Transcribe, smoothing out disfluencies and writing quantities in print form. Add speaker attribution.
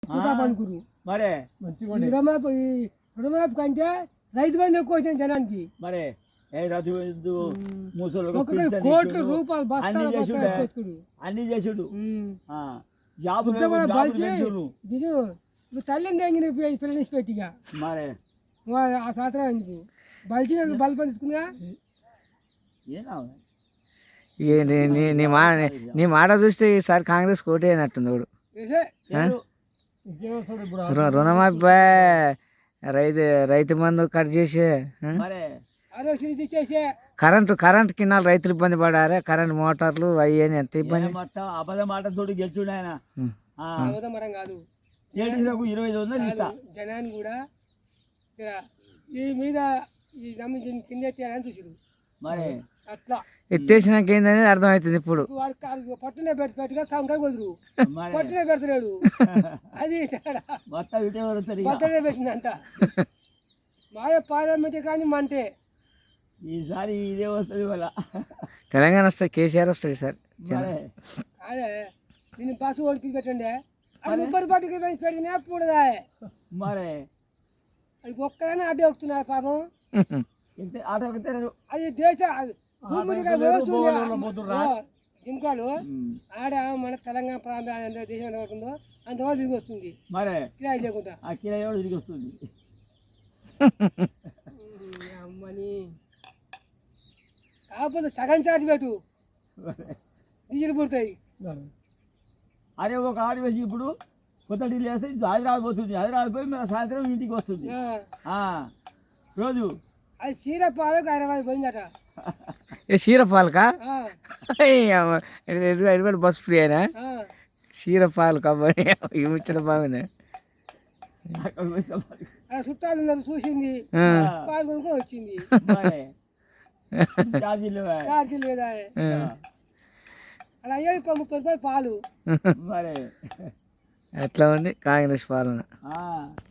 Speaker 1: అనుకురు
Speaker 2: మరే
Speaker 1: రుణమాఫీ కంటే రైతు బంధు ఎక్కువ వచ్చింది జనానికి.
Speaker 2: మరే ముసలు
Speaker 1: కోట్ల రూపాయలు
Speaker 2: అన్ని చేసుడు
Speaker 1: తల్లిని తెంగిన పిల్లలు పెట్టిగా
Speaker 2: మరే
Speaker 1: ఆ సాత్రం ఎందుకు బలిచి బలి పంచుకుందిగా.
Speaker 3: నీ మాట చూస్తే ఈసారి కాంగ్రెస్ కోటి అయినట్టుంది వాడు. రుణమాఫీ రైతు మందు కట్ చేసే కరెంట్ కిన్నాళ్ళు రైతులు ఇబ్బంది పడారే. కరెంట్ మోటార్లు అవి ఎంత ఇబ్బంది.
Speaker 2: అబద్ధ మాట తోటి గెలిచుడు ఆయన
Speaker 1: కాదు.
Speaker 2: 25,000 ఇస్తా
Speaker 1: జనాన్ని కూడా ఈ మీద కింద ఎత్తేయాలని చూసాడు.
Speaker 2: మరి
Speaker 1: అట్లా
Speaker 3: ఎత్తేసినాక ఏందనేది అర్థమవుతుంది. ఇప్పుడు
Speaker 1: పట్టునే పెట్టుగా సంఖ్య కుదురు పట్టునే పెడుతున్నాడు. అది పట్టునే పెట్టిందంట. మాయ పార్లమెంట్ కానీ మంటే
Speaker 2: ఈసారి ఇదే వస్తుంది వాళ్ళ
Speaker 3: తెలంగాణ వస్తుంది. కేసీఆర్ వస్తుంది సార్.
Speaker 1: అదే నేను బస్సు ఓడికి పెట్టండి అది ముప్పై పాటికి పెడితే పూడదా
Speaker 2: మరే
Speaker 1: అది ఒక్కరైనా అడ్డే వస్తున్నాయి పాపం. అది దేశ జింకాలు ఆడ మన తెలంగాణ ప్రాంతం ఎంత దేశం ఎంత అవుతుందో అంతవరకు తిరిగి వస్తుంది.
Speaker 2: మరే
Speaker 1: కిరాయి లేకుండా
Speaker 2: కిరాయి తిరిగి వస్తుంది.
Speaker 1: అమ్మని కాకపోతే సగం ఛార్జ్ పెట్టు డీజిల్ పుడతాయి.
Speaker 2: అరే ఒక ఆడి వేసి ఇప్పుడు కొత్త ఢిల్లీ వేస్తే హైదరాబాద్ పోతుంది. హైదరాబాద్ పోయి మన సాయంత్రం ఇంటికి వస్తుంది రోజు.
Speaker 1: అది క్షీరపాలకు హైదరాబాద్ పోయిందట.
Speaker 3: క్షీరపాలకా బస్ ఫ్రీ అయినా క్షీరపాలు కాబట్టి ముచ్చడం బాగుంది.
Speaker 1: చుట్టాలు ఉన్నారు చూసింది పాల్గొనుకో వచ్చింది. ఛార్జీ లేదా అలా అయ్యేది 30 రూపాయలు పాలు.
Speaker 3: అట్లా ఉంది కాంగ్రెస్ పాలన.